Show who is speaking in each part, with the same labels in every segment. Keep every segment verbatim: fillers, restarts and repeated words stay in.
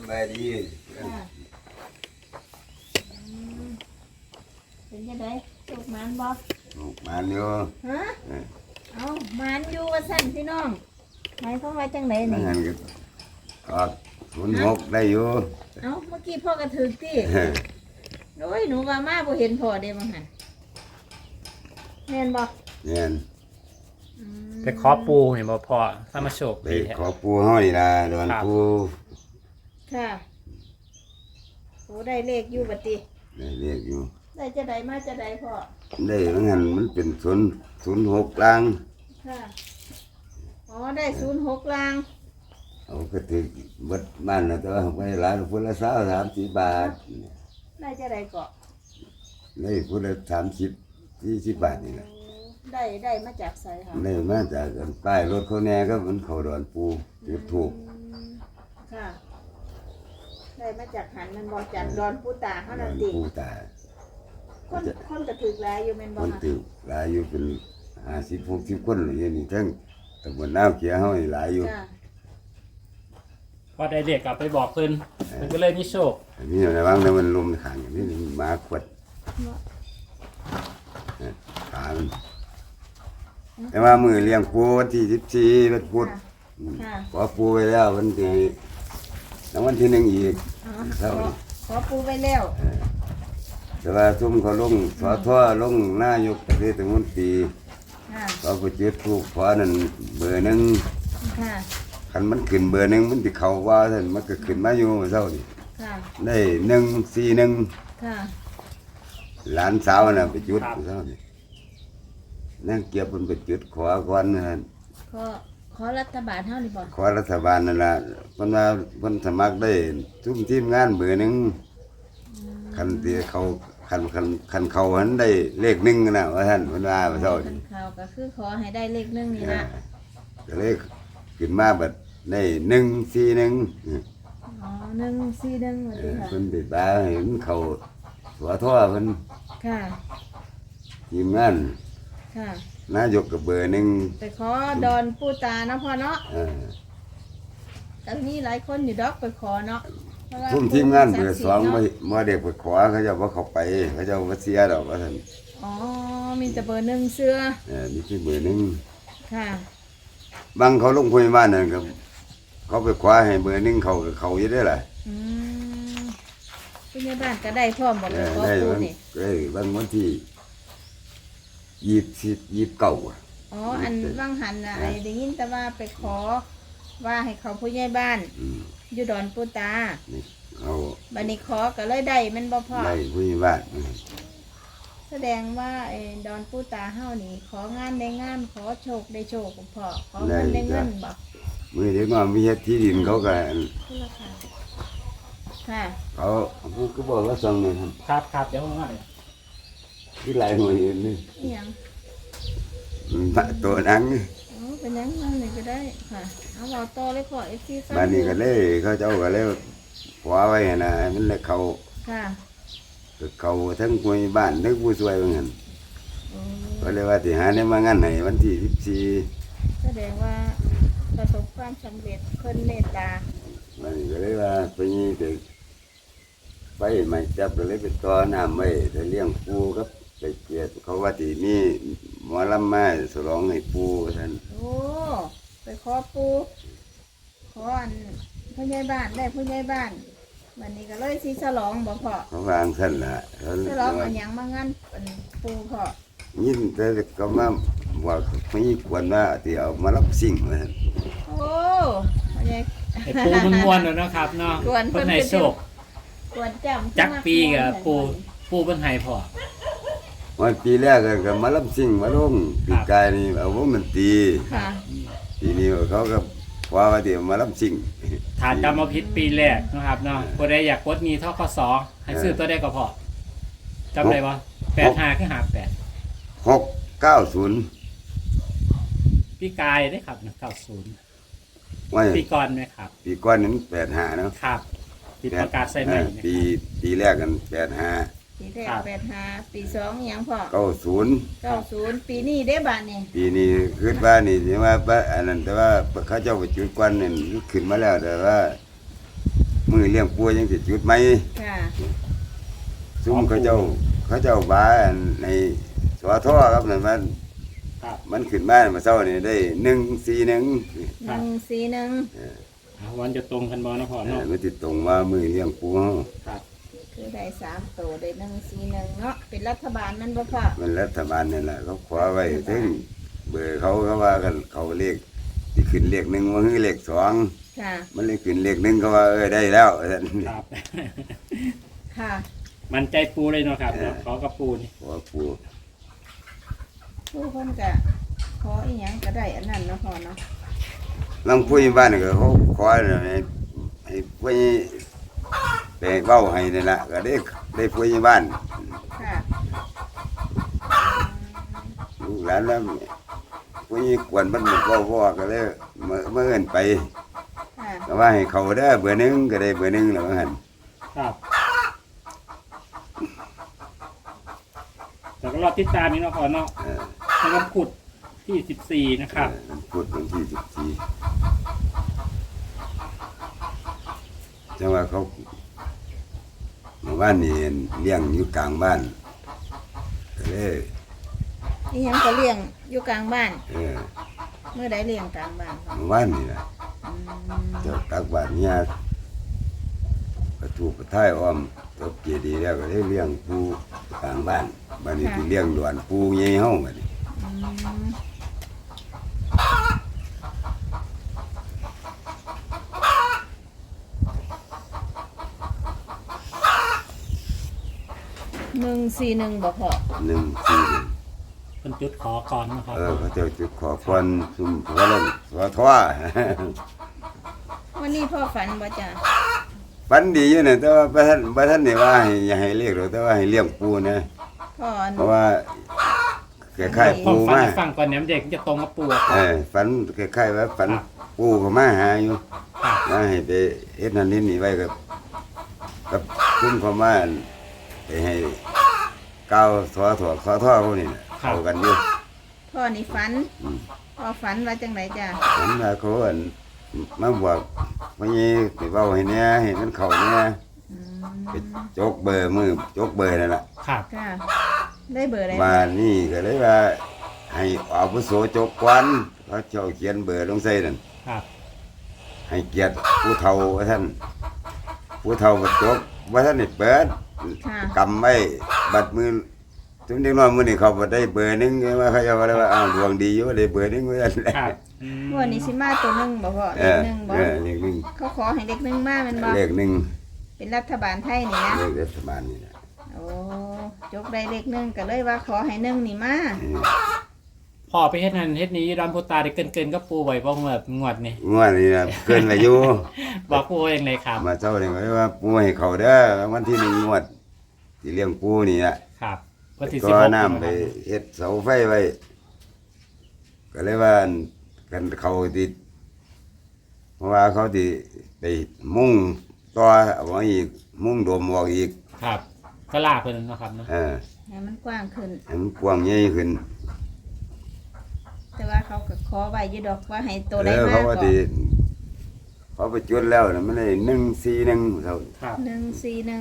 Speaker 1: บายดี
Speaker 2: เป็นยังไงสุกมันบ่
Speaker 1: มันอยู่
Speaker 2: ฮะเอามันอยู่ว่าสั่นพี่น้องหมายความว่าจังไดนี่
Speaker 1: ก็ศูนย์หกได้อยู่
Speaker 2: เอ้าเมื่อกี้พ่อกระถึกติโอ้ยหนูว่ามาบ่เห็นพ่อเด้มั้งหั่นแม่นบ่
Speaker 1: แม่น
Speaker 3: ไปขอปูเห็นบ่พ่อถ้ามาโชค
Speaker 1: ไปขอปูเฮานี่ล่ะดอนปู
Speaker 2: ค่ะโอ้ได้เลขอยู่บัดติ
Speaker 1: ได้เลขอยู่
Speaker 2: ได้จะได้มาจะได้พ่อ
Speaker 1: ได้ว่างั้นมันเป็นศูนย์ศูนย์หกล่าง
Speaker 2: ค่ะอ๋อได้ศูนย์หกล่าง
Speaker 1: เอาก็ถือบัดบ้านน่ะแต่ว่าไปหลายพุ่นละสามสามสิบบาท
Speaker 2: ได้จะได้เกาะ
Speaker 1: ได้พุ่นละสามสิบสี่สิบบาทนี่แหละ
Speaker 2: ได้ได้มาจากไสค่ะ
Speaker 1: ได้มาจากป้ายรถเขาแน่ก็มันเขาดอนปูจุดถูก
Speaker 2: ค่ะได้มาจากหันมันบอกจากดอนปูตาเฮานั่นติ
Speaker 1: ปูตา
Speaker 2: คนคนกระถึกหลายอยู่แม่นบ่
Speaker 1: คนตึกหลายอยู่เป็นห้าสิบหกสิบคนอย่างนี้ทั้งตำบลน้ำเขียวเฮาหลายอยู่
Speaker 3: พอได้เด็กกลับไปบอกเพิ่นเพิ่นก็เลยมีโชค
Speaker 1: นี่ในบางนั้นมันลมขังนี่หมาขวดขามันแต่ว่ามือเลี้ยงปูวันที่สิบสี่วันพุธขอปูไปแล้ววันที่แล้ววันที่หนึ่งอีก
Speaker 2: ขอปูไปแล้ว
Speaker 1: แต่ว่าซุ่มเขาลงสอท่อลงหน้ายกประเทศตะมุนตีเขาไปจุดถูกขอนั่นเบอร์หนึ่งคันมันขึ้นเบอร์หนึ่งมันติเขาว่าท่านมันก็ขึ้นมาอยู่เท่านี้ได้หนึ่งสี่หนึ่งหลานสาวน่ะไปจุดเท่านี้นั่งเก็บมันไปจุดขอก่อนนะ
Speaker 2: ขอขอรัฐบาลเท่านี้บ่
Speaker 1: ขอรัฐบาลนั่นละเพิ่นว่าเพิ่นสมัครได้ทุกทีมงานเบอร์หนึ่งคันที่เขาคันคันคันเขาหันได้เลขหนึ่งนะว่าท่านเพิ่นว่าเท่านี้
Speaker 2: เขาก็คือขอให้ได้เลขหนึ่งนี่นะ
Speaker 1: ก็เลขขึ้นมาบัดได้หนึ่งสี่หนึ่ง
Speaker 2: อ๋อหนึ่งสี่หนึ่งว่าติค่ะ
Speaker 1: เพิ่นไปบ้าเห็นเขาหัวท่อเพิ่น
Speaker 2: ค่ะ
Speaker 1: ทีมงาน
Speaker 2: ค่ะ
Speaker 1: นายกกับเบอร์หนึ่ง
Speaker 2: ไปขอดอนปูตานะพ่อเนาะแต่นี่หลายคนอยู่ดอกไปขอเนาะ
Speaker 1: ทุ่มทีมงานเบอร์สองมามาเด็กไปขอเขาจะว่าเขาไปเขาจะว่าเสียดอกว่าท่าน
Speaker 2: อ๋อมีแต่เบอร์หนึ่งเสื้อ
Speaker 1: เออมีที่เบอร์หนึ่ง
Speaker 2: ค่ะ
Speaker 1: บางเขาลงพยาบาลนั่นก็เขาไปขอให้เบอร์หนึ่งเขาเขาอยู่ได้หรอ
Speaker 2: อืมพยาบาลก็ได้พร้อมบอกเลยขอปูนี่
Speaker 1: ได้บางวันที่ยีบสิบยีบเก่า
Speaker 2: อ๋ออันว่างหันอะไรได้ยินแต่ว่าไปขอว่าให้เขาผู้ใหญ่บ้านอยู่ดอนปูตา
Speaker 1: เอา
Speaker 2: บันนี้ขอก็เลยได้มันบ่พอ
Speaker 1: ได้ผู้ใหญ่บ้าน
Speaker 2: แสดงว่าไอ้ดอนปูตาเฮานี่ของานได้งานขอโชคได้โชคกับพ่อขอเงินได้เงินบ่
Speaker 1: มือเด็กว่ามีเฮ็ดที่ดินเขาก็
Speaker 2: ค่ะ
Speaker 1: เขาผู้ก็บอกว่าสั่งเลย
Speaker 3: ครับครับเดี๋ยวมา
Speaker 1: ที่หลายหน่วยนี่
Speaker 2: ยัง
Speaker 1: ตัวนัง
Speaker 2: อ๋อเป็นยังนั่นเลยก็ได้ค่ะเอาเราโตเลยขอเอฟซี
Speaker 1: บ้านนี้ก็เลยเขาเจ้าก็เลยขวาไว้นะมันเลยเขา
Speaker 2: ค่ะ
Speaker 1: เขาทั้งผู้บ้านทั้งผู้ช่วยเหมือนกันก็เลยว่าที่หาเนี่ยมางานไหนวันที่สิบสี่
Speaker 2: แสดงว่าประสบความสำเร็จเพิ่นเมตตา
Speaker 1: บ้านนี้ก็เลยว่าไปนี่เด็กไปไม่จับเลยไปต่อน้ำไว้แต่เลี้ยงปูครับไปเกียรเขาว่าที่นี่หมอลำมาสลองให้ปูท่าน
Speaker 2: โอ้ไปขอปูขออันผู้ใหญ่บ้านได้ผู้ใหญ่บ้านวันนี้ก็เลยสิฉลองบ่พ่อ
Speaker 1: เขาวางท่านละ
Speaker 2: ฉลองอันยังมางั้นเป็นปูพ่อ
Speaker 1: ยินแต่ก็มาว่าไม่ควรว่าที่เอามารับสิ่งมา
Speaker 2: โอ้ย
Speaker 3: ไอ้ปูมันม้วนแล้วนะครับเนาะเพิ่นให้โชค
Speaker 2: กวนจำ
Speaker 3: จักปีกับปูปูเพิ่นให้พ่อ
Speaker 1: วันปีแรกก็มารับสิ่งมาลงปีกายนี่เอาวงดนตรีปีนี้เขาก็ว่าว่าที่มารับสิ่ง
Speaker 3: ฐานจำมาผิดปีแรกนะครับเนาะผู้ใดอยากกดมีทกสให้ซื้อตัวได้ก็พอจำได้ปะแปดห้าคือหาแปด
Speaker 1: หกเก้าศูนย์
Speaker 3: ปีกายได้ครับเก้าศูนย์ปีก่อนไหมครับ
Speaker 1: ปีก่อนนั้นแปดห้าเนาะ
Speaker 3: ครับปีประกาศใส่ใหม่
Speaker 1: ปีปีแรกกันแปดห้า
Speaker 2: ปีแรกแปดห้าปีสองยังพอ
Speaker 1: เก้าศูนย์
Speaker 2: เก้าศูนย์ปีนี้ได้บ้านนี่
Speaker 1: ปีนี้ขึ้นบ้านนี่ใช่ไหมบ้านอันนั้นแต่ว่าเขาเจ้าไปจุดควันนี่ขึ้นมาแล้วแต่ว่ามือเลี้ยงปูยังสิจุดไหม
Speaker 2: ค่ะ
Speaker 1: ซุ่มเขาเจ้าเขาเจ้าบ้าในสวท่อครับนั่นมัน
Speaker 3: ครับ
Speaker 1: มันขึ้นมามาเช้านี่ได้หนึ่งสี่หนึ่ง
Speaker 2: หนึ่งสี่หนึ่ง
Speaker 3: อ่าวันจะตรงกันบ่นะพ่อ
Speaker 1: เออ
Speaker 3: เนาะ
Speaker 1: มันติดตรงว่ามือเลี้ยงปูเฮา
Speaker 3: ครับ
Speaker 2: คือได้สามตัวได้หนึ่งสี่หนึ่งเนาะเป็นรัฐบาลนั่นบ่พ่อ
Speaker 1: มันรัฐบาลนี่แหละเขาขอไว้ถึงเบอร์เขาก็ว่ากันเขาเลขที่ขึ้นเลขหนึ่งว่าคือเลขสอง
Speaker 2: ค่ะ
Speaker 1: มันเลยขึ้นเลขหนึ่งก็ว่าเออได้แล้วท่าน
Speaker 3: ครับ
Speaker 2: ค่ะ
Speaker 3: มันใจปูเลยเนาะครับเนาะขอกับปูนี่
Speaker 1: ขอปู
Speaker 2: ผู้คนก็ขออีหยังก็ได้อันนั้นเนาะพ่อเนาะ
Speaker 1: ลังผู้ใหญ่บ้านก็เขาขอให้ให้ผู้ใหญ่ไปเว้าให้นี่ล่ะก็ได้ได้ผู้ใหญ่บ้าน
Speaker 2: ค่ะ
Speaker 1: ลูกหลานแล้วผู้ใหญ่กวนมันเว้าพ่อก็เลยเมื่อเมื่อเอิ้นไป
Speaker 2: ค่ะ
Speaker 1: ก็ว่าให้เขาเด้อเบอร์หนึ่งก็ได้เบอร์หนึ่งแล้วว่าหั่น
Speaker 3: ครับแต่ก็รอติดตามนี่เนาะพ่อเนาะ
Speaker 1: เออ
Speaker 3: สำหรับขุดที่สิบสี่นะครับ
Speaker 1: เออมันพูดวันที่สิบสี่จังว่าเขาเมื่อวานนี่เลี้ยงอยู่กลางบ้านก็เลย
Speaker 2: อีหยังก็เลี้ยงอยู่กลางบ้าน
Speaker 1: เออ
Speaker 2: เมื่อใดเลี้ยงกลางบ้านพ่อ
Speaker 1: เมื่อวานนี่นะ
Speaker 2: อืม
Speaker 1: เจ้าตักบาตรเนี่ยประตูประท้ายอ้อมตบเจดีย์แล้วก็ได้เลี้ยงปูกลางบ้านบ้านนี้ที่เลี้ยงหลวนปูใหญ่เฮาบัดนี้
Speaker 2: อืมหนึ่งสี่หนึ่งบ่พอ
Speaker 1: หนึ่งสี่หนึ่ง
Speaker 3: เป็นจุดขอก่อนนะครับ
Speaker 1: เออเขาเจ้าจุดขอพรซุ่มหัวลงหัวท้อ
Speaker 2: วันนี้พ่อฝันบ่จ้ะ
Speaker 1: ฝันดีอยู่เนี่ยแต่ว่าบ่ท่านบ่ท่านนี่ว่าให้อย่าให้เรียกหรอกแต่ว่าให้เลี้ยงปูนะ
Speaker 2: พ่อ
Speaker 1: เพราะว่าคล้ายๆ
Speaker 3: พ่อ
Speaker 1: ปู
Speaker 3: ฟัง
Speaker 1: มา
Speaker 3: ให้ฟังก่อนเนี่ยเด็กจะตรงกับปูอะ
Speaker 1: เออฝันคล้ายๆว่าฝันปูก็มาหาอยู่
Speaker 3: ครับ
Speaker 1: มาให้ไปเฮ็ดนั่นนี่นี่ไว้กับกับคุ้มเขามาไปให้ก้าวถอถอขอท่อพวกนี้น่ะเข้ากันอยู่
Speaker 2: พ่อนี่ฝัน
Speaker 1: อืม
Speaker 2: พ่อฝันว่าจังไหนจ้ะ
Speaker 1: ฝันว่าเขาอั่นมาบอกว่านี่ไปเว้าให้แหน่ให้มันเข้าแหน่
Speaker 2: อืม
Speaker 1: ไปจกเบอร์มือจกเบอร์นั่นล่ะ
Speaker 3: ครับ
Speaker 2: ค่ะได้เบอร์อะไร
Speaker 1: มานี่ก็เลยว่าให้อาวุโสจกควันเขาเจ้าเขียนเบอร์ลงใส่นั่น
Speaker 3: ครับ
Speaker 1: ให้เกียรติผู้เฒ่าว่าท่านผู้เฒ่าก็จกว่าท่านนี่เปิด
Speaker 2: ค่ะ
Speaker 1: กำไว้บัดมือถึงเด็กน้อยมื้อนี้เขาบ่ได้เบอร์หนึงไงว่าเขาจะว่าได้ว่าอ้าวดวงดีอยู่ได้เบอร์หนึงว่าซั่น
Speaker 3: ครับอืม
Speaker 2: วันนี้สิมาตัวหนึ่งบ่พ่อ
Speaker 1: เอ
Speaker 2: เลข
Speaker 1: อ
Speaker 2: หนึ่งบ่
Speaker 1: เออเลขหนึ่ง
Speaker 2: เขาขอให้เด็กหนึ่งมาแมันบ่
Speaker 1: เลขหนึ่ง
Speaker 2: เป็นรัฐบาลไทยนี่นะ
Speaker 1: เลขรัฐบาลนี่นะ
Speaker 2: โอ้จกได้เลขหนึ่งก็เลยว่าขอให้หนึ่งนี่มา
Speaker 1: เออ
Speaker 3: พ่อไปเฮ็ดนั่นเฮ็ดนี้ดอนพูตาได้เกินเกินๆกับปูไว้บ่งวดงวดนี่
Speaker 1: งวดนี้นะเกินไปอยู่
Speaker 3: บอกปูว่าอย่างไรครับ
Speaker 1: มาเจ้านี่ก็ว่าปูให้เขาเด้อวันที่หนึ่งงวดที่เลี้ยงปูนี่น่ะ
Speaker 3: ครับวันที่สิ
Speaker 1: ก็
Speaker 3: บหก
Speaker 1: น้ำไปเฮ็ดเสาไฟไว้ ก็เลยว่ากันเขาติดเพราะว่าเขาติไปมุ่งต่อเอาไว้อีกมุ่งโดมออกอีก
Speaker 3: ครับก็ลาเพิ่นเนาะครับเนาะ
Speaker 1: เออ
Speaker 2: ให้มันกว้างขึ้น
Speaker 1: ให้มันกว้างใหญ่ขึ้น
Speaker 2: แต่ว่าเขาก็ขอไว้อยู่ดอกว่าให้ตัว
Speaker 1: เอ
Speaker 2: ได้
Speaker 1: อ
Speaker 2: มา
Speaker 1: เขา
Speaker 2: ก่อ
Speaker 1: ว่าน ติเขาไปจุดแล้วน่ะมันได้หนึ่งสี่หนึ่งเท่า
Speaker 3: ครับ
Speaker 2: หนึ่งสี่หนึ่ง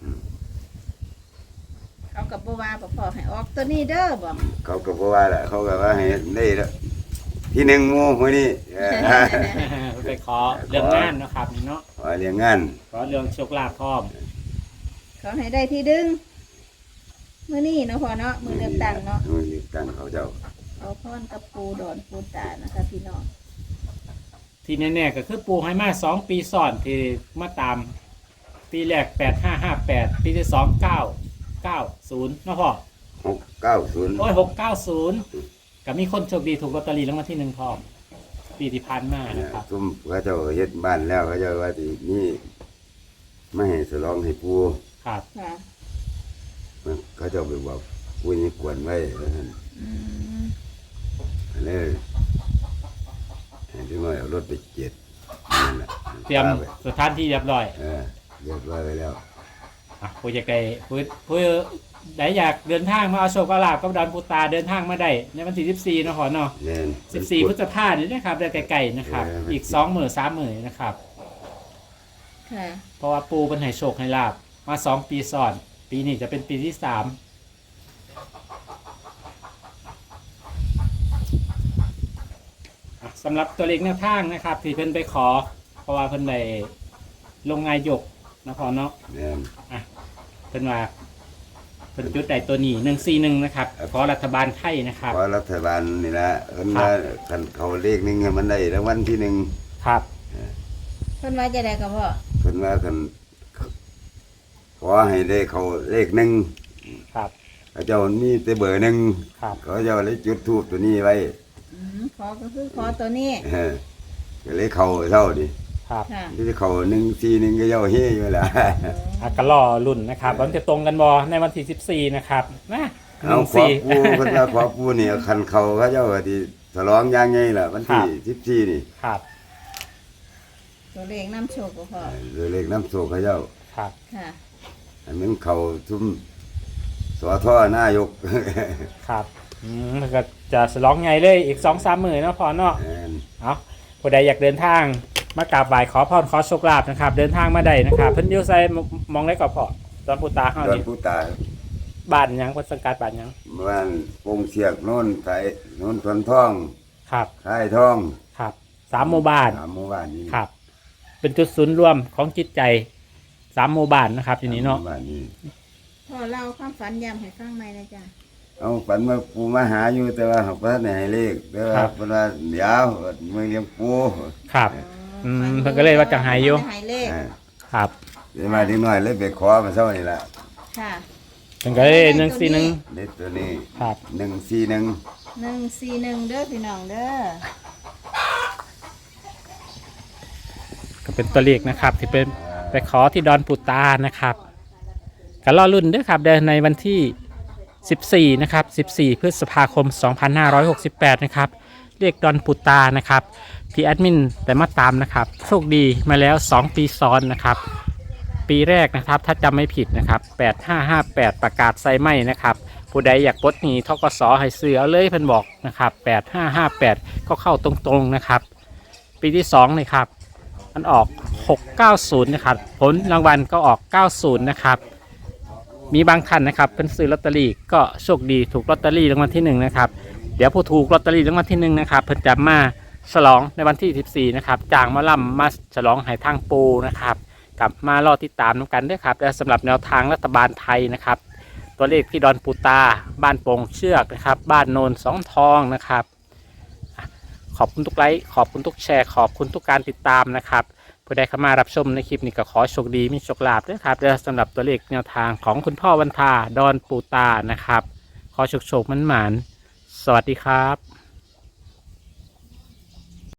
Speaker 2: เขากับบัวาบอกพ่อให้ออกตัวนี้เด้อบอก
Speaker 1: เขาก็บอกว่าแหละเขาก็ว่าให้ได้แล้วที่หนึ่งหมู่มื้อนี้เออ
Speaker 3: ไปขอเรื่องงานเนาะครับนี่เนาะ
Speaker 1: ขอเลี้ยงงาน
Speaker 3: ขอเรื่องโชคลาภพร้อม
Speaker 2: เขาให้ได้ที่ดึงมือนี่เนาะพ่อเนาะมือเลือกตั้งเนาะ
Speaker 1: มือเลือกตั้งเขาเจ้า
Speaker 2: เอาพรกับปูดอนปูตานะคะพี่น้อง
Speaker 3: ที่แน่ๆก็คือปูให้มาสองปีซ้อนที่มาตาม ปีแรกแปดห้าห้าแปดปีที่สองเก้าเก้าศูนย์เนาะพ่อ
Speaker 1: หกเก้าศูนย์
Speaker 3: โอ้ยหกเก้าศูนย์ก็มีคนโชคดีถูกลอตเตอรี่รางวัลที่หนึ่งพร้อมปีที่ผ่านมานะครับ
Speaker 1: ซุ่มเขาเจ้าเฮ็ดบ้านแล้วเขาเจ้าว่าที่นี่ไม่ให้สลองให้ปู
Speaker 3: ครับ
Speaker 2: ค่ะ
Speaker 1: เขาเจ้าไปบอกปูนี่กวนไว้ว่าซั่น
Speaker 2: อืม
Speaker 1: เลยให้ที่น้อยเอารถไปเจ็ดนั่นแหละ
Speaker 3: เตรียมสถานที่เรียบร้อย
Speaker 1: เออเรียบร้อยไปแล้ว
Speaker 3: อ่ะผู้จะไกลผู้ผู้ใดอยากเดินทางมาเอาโชคเอาลาภกับดอนปูตาเดินทางมาได้ในวันที่สิบสี่เนาะพ่อเนาะ
Speaker 1: เน่น
Speaker 3: สิบสี่พฤษภาคมนี่นะครับเดินไกลๆนะครับ อีกสองหมื่นสามหมื่นนะครับ
Speaker 2: ค่ะ
Speaker 3: เพราะว่าปูเป็นให้โชคให้ลาบมาสองปีซ้อน ปีนี้จะเป็นปีที่สามอ่ะสำหรับตัวเลขแนวทางนะครับ ที่เพิ่นไปขอ เพราะว่าเพิ่นได้ลงงานยกนะพอเนาะ
Speaker 1: แม่น
Speaker 3: อ่ะเพิ่นว่าเพิ่นจุดใดตัวนี้หนึ่งสี่หนึ่งนะครับขอรัฐบาลไทยนะครับ
Speaker 1: เพราะรัฐบาลนี่ละเพิ่นว่าคันเขาเลขหนึงให้มันได้รางวัลที่หนึ่ง
Speaker 3: ครับ
Speaker 2: เพิ่นว่าจะได้ก็พ่อ
Speaker 1: เพิ่นว่าคันขอให้ได้เขาเลขหนึ่ง
Speaker 3: ครับ
Speaker 1: เขาเจ้ามีแต่เบอร์หนึ่ง
Speaker 3: ครับ
Speaker 1: เขาเจ้าเลยจุดทูบตัวนี้ไว้
Speaker 2: อืมขอก็คือขอตัวนี้
Speaker 1: เออก็เลยเขาเท่าดิ
Speaker 3: ครับ
Speaker 2: ค่ะ
Speaker 1: ที่เขาหนึ่งสี่หนึ่งก็เจ้าเฮ่อยู่ละ
Speaker 3: อากระล่อรุ่นนะครับมันจะตรงกันบอในวันที่สิบสี่นะครับนะห
Speaker 1: เอา
Speaker 3: นึ่ง
Speaker 1: ขอ
Speaker 3: สี่
Speaker 1: ปูเพิ่นว่าขอปูนี่คันเขาเขาเจ้าก็ที่ฉลองอย่างไงล่ะวันที่สิบสี่นี่
Speaker 3: ครับ
Speaker 2: ตัวเลขน้ำโชคก็พ่อ
Speaker 1: เออเลขน้ำโศกเขาเจ้า
Speaker 3: ครับ
Speaker 2: ค่ะ
Speaker 1: อันนั้นเขาทุ่มสอท่อนายก
Speaker 3: ครับอืมแล้วก็จะสลองไงเลยอีกสองสามหมื่นนาะพอเนาะ
Speaker 1: แม่น
Speaker 3: เอาผู้ใดอยากเดินทางมากราบไหว้ขอพรขอโชคลาภนะครับ เดินทางมาได้นะครับเพิ่นอยู่ไซมองได้ก่อนพอตอนปูตาเฮา
Speaker 1: ดอน
Speaker 3: นี่
Speaker 1: ผู้ตาย
Speaker 3: บ้านหยังเพิ่นสังกัดบ้านหยัง
Speaker 1: บ้านปงเสียกโน่นไสโน่นทวนทอง
Speaker 3: ครับ
Speaker 1: ค่ายทอง
Speaker 3: ครับสามหมู่บ้าน
Speaker 1: สามหมู่บ้านนี้
Speaker 3: ครับ เป็นจุดศูนย์รวมของจิตใจสามหมู่บ้านนะครับอยู่นี้เนาะ
Speaker 1: สมหมู่บ้านนี้
Speaker 2: พ่อเล่าความฝันย้ำให้ฟังไหมนะจ๊ะ
Speaker 1: เอาฝันว่าปูมาหาอยู่แต่ว่าเขาบ่ทันได้ให้เลขแต่ว่าเพิ่นว่าเดี๋ยวมือเลี้ยงปู
Speaker 3: ครับ
Speaker 2: อ๋อ
Speaker 3: ม
Speaker 2: ฝั
Speaker 3: เพิ่นก็เลยว่าจะหายอยู่
Speaker 2: จะหายเลข
Speaker 1: อ่า
Speaker 3: ครับ
Speaker 1: เดี๋ยวมาเด็กน้อยเลยไปขอมาเช้านี่ล่ะ
Speaker 2: ค่ะ
Speaker 3: เพิ่นก็เลยหนึ่งสี่หนึ่ง
Speaker 1: เด็กตัวนี้
Speaker 3: ครับ
Speaker 1: หนึ่งสี่หนึ่ง
Speaker 2: หนึ่งสี่หนึ่งเด้อพี่น้องเด้อ
Speaker 3: ก็เป็นตัวเลขนะครับ ที่เป็นไปขอที่ดอนปูตานะครับก็รอรุ่นเด้วยครับเดินในวันที่สิบสี่นะครับสิบสี่พฤษภาคมสองพันห้าร้อยหกสิบแปดนะครับเรียกดอนปูตานะครับที่แอดมินแต่มาตามนะครับโชคดีมาแล้วสองปีซ้อนนะครับปีแรกนะครับถ้าจำไม่ผิดนะครับแปดห้าห้าแปดประกาศไซไหมนะครับผู้ใดอยากปลดหนี้ทกสให้ซื้อเอาเลยเพิ่นบอกนะครับแปดห้าห้าแปดก็เข้าตรงๆนะครับปีที่สองนี่ครับมันออกหกเก้าศูนย์นะครับผลรางวัลก็ออกเก้าศูนย์นะครับมีบางท่านนะครับเป็นซื้อลอตเตอรี่ก็โชคดีถูกลอตเตอรี่รางวัลที่หนึ่งนะครับเดี๋ยวผู้ถูกลอตเตอรี่รางวัลที่หนึ่งนะครับเพิ่นจะมาฉลองในวันที่สิบสี่นะครับจางมาล่ำมาฉลองไหทางปูนะครับกลับมารอติดตามกันด้วยครับและสำหรับแนวทางรัฐบาลไทยนะครับตัวเลขที่ดอนปูตาบ้านโป่งเชือกนะครับบ้านโนนสองทองนะครับขอบคุณทุกไลค์ขอบคุณทุกแชร์ขอบคุณทุกการติดตามนะครับผู้ใดเข้ามารับชมในคลิปนี้ก็ขอโชคดีมีโชคลาภด้วยครับและสำหรับตัวเลขแนวทางของคุณพ่อวันทาดอนปูตานะครับขอโชคโชคมันหมานสวัสดีครับ